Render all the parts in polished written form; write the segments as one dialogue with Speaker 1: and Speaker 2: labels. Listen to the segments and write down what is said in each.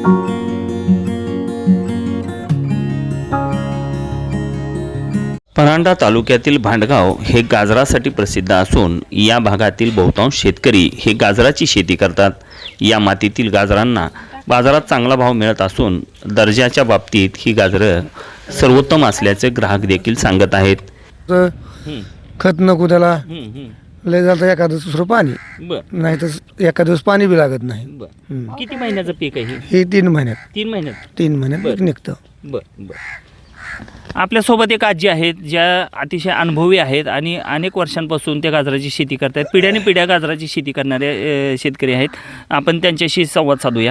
Speaker 1: परांडा तालुक्यातील भांडगाव हे गाजरासाठी प्रसिद्ध असून या भागातील बहुतांश शेतकरी हे गाजराची शेती करतात। या मातीतील गाजरांना बाजारात चांगला भाव मिळत असून दर्जाच्या बाबतीत ही गाजरं सर्वोत्तम असल्याचे ग्राहक देखील सांगत आहेत।
Speaker 2: खत नको त्याला, लय जातं एखादं दुसरं पाणी, नाही तर एका दिवस पाणी बी लागत नाही।
Speaker 1: किती महिन्याचं पीक आहे
Speaker 2: हे 3 महिन्यात
Speaker 1: 3
Speaker 2: महिन्यात पीक निघतं।
Speaker 1: आपल्यासोबत एक आजी आहेत ज्या अतिशय अनुभवी आहेत आणि अनेक वर्षांपासून त्या गाजराची शेती करतात। पिढ्याने पिढ्या गाजराची शेती करणारे शेतकरी आहेत। आपण त्यांच्याशी संवाद साधूया।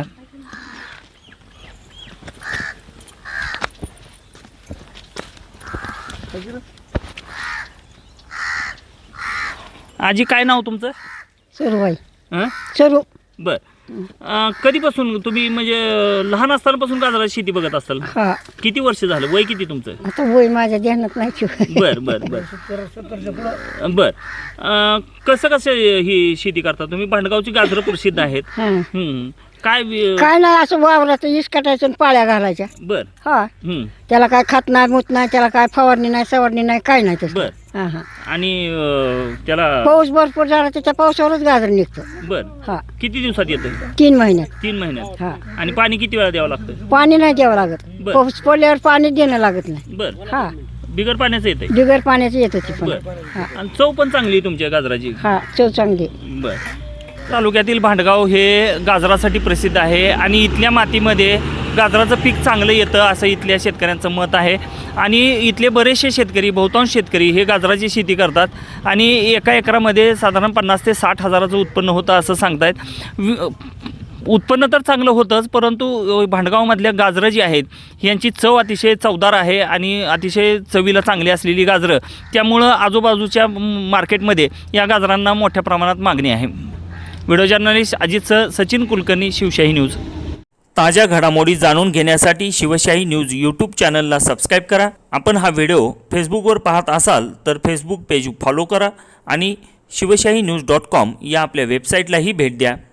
Speaker 1: आजी, काय नाव तुमचं?
Speaker 3: सर्व
Speaker 1: हां,
Speaker 3: सर्व
Speaker 1: बर। कधीपासून तुम्ही म्हणजे लहान असतानापासून गाजराची शेती बघत असाल?
Speaker 3: हा,
Speaker 1: किती वर्ष झालं? वय किती तुमचं?
Speaker 3: आता वय माझ्या ध्यानात नाही.
Speaker 1: बर बर बर बर। कसं ही शेती करता तुम्ही? भांडगावची गाजरं प्रसिद्ध आहेत।
Speaker 3: हा.
Speaker 1: काय
Speaker 3: काय नाही, असं वावराचं इस काटायचं आणि पाळ्या घालायच्या।
Speaker 1: बर।
Speaker 3: हा, त्याला काय खत नाही, मूत नाही, त्याला काय फवारणी नाही, सवारणी नाही, काय नाही तसं।
Speaker 1: बर।
Speaker 3: हा हा,
Speaker 1: आणि त्याला
Speaker 3: पाऊस भरपूर झाला त्याच्या पावसावरच गाजर निघतं।
Speaker 1: बर।
Speaker 3: हा,
Speaker 1: किती दिवसात येतं?
Speaker 3: 3 महिन्यात।
Speaker 1: 3 महिन्यात।
Speaker 3: हा,
Speaker 1: आणि पाणी किती वेळा द्यावं लागतं?
Speaker 3: पाणी नाही द्यावं लागत,
Speaker 1: बर.
Speaker 3: पाऊस पडल्यावर पाणी देणं लागत नाही।
Speaker 1: बर।
Speaker 3: हा,
Speaker 1: बिगर पाण्याचं येतंय?
Speaker 3: बिगर पाण्याचं येतं ते पण।
Speaker 1: बर।
Speaker 3: हा
Speaker 1: आणि चव पण चांगली आहे तुमच्या गाजराची?
Speaker 3: हा, चव चांगली।
Speaker 1: बर। तालुक्यातील भांडगाव हे गाजरासाठी प्रसिद्ध आहे आणि इथल्या मातीमध्ये गाजराचं पीक चांगलं येतं असं इथल्या शेतकऱ्यांचं मत आहे। आणि इथले बरेचसे शेतकरी, बहुतांश शेतकरी हे गाजराची शेती करतात आणि एका एकरामध्ये साधारण 50 ते 60 हजाराचं उत्पन्न होतं असं सांगतायत। उत्पन्न तर चांगलं होतंच, परंतु भांडगावमधल्या गाजरं जी आहेत यांची चव अतिशय चवदार आहे आणि अतिशय चवीला चांगली असलेली गाजरं, त्यामुळं आजूबाजूच्या मार्केटमध्ये या गाजरांना मोठ्या प्रमाणात मागणी आहे। Video journalist Ajit Sachin Kulkarni, Shivshahi news. ताज्या घडामोडी जाणून घेण्यासाठी शिवशाही न्यूज यूट्यूब चॅनलला सबस्क्राईब करा। आपण हा व्हिडिओ फेसबुकवर पाहत असाल तर फेसबुक पेज फॉलो करा आणि शिवशाही न्यूज.com या आपल्या वेबसाईटलाही भेट द्या।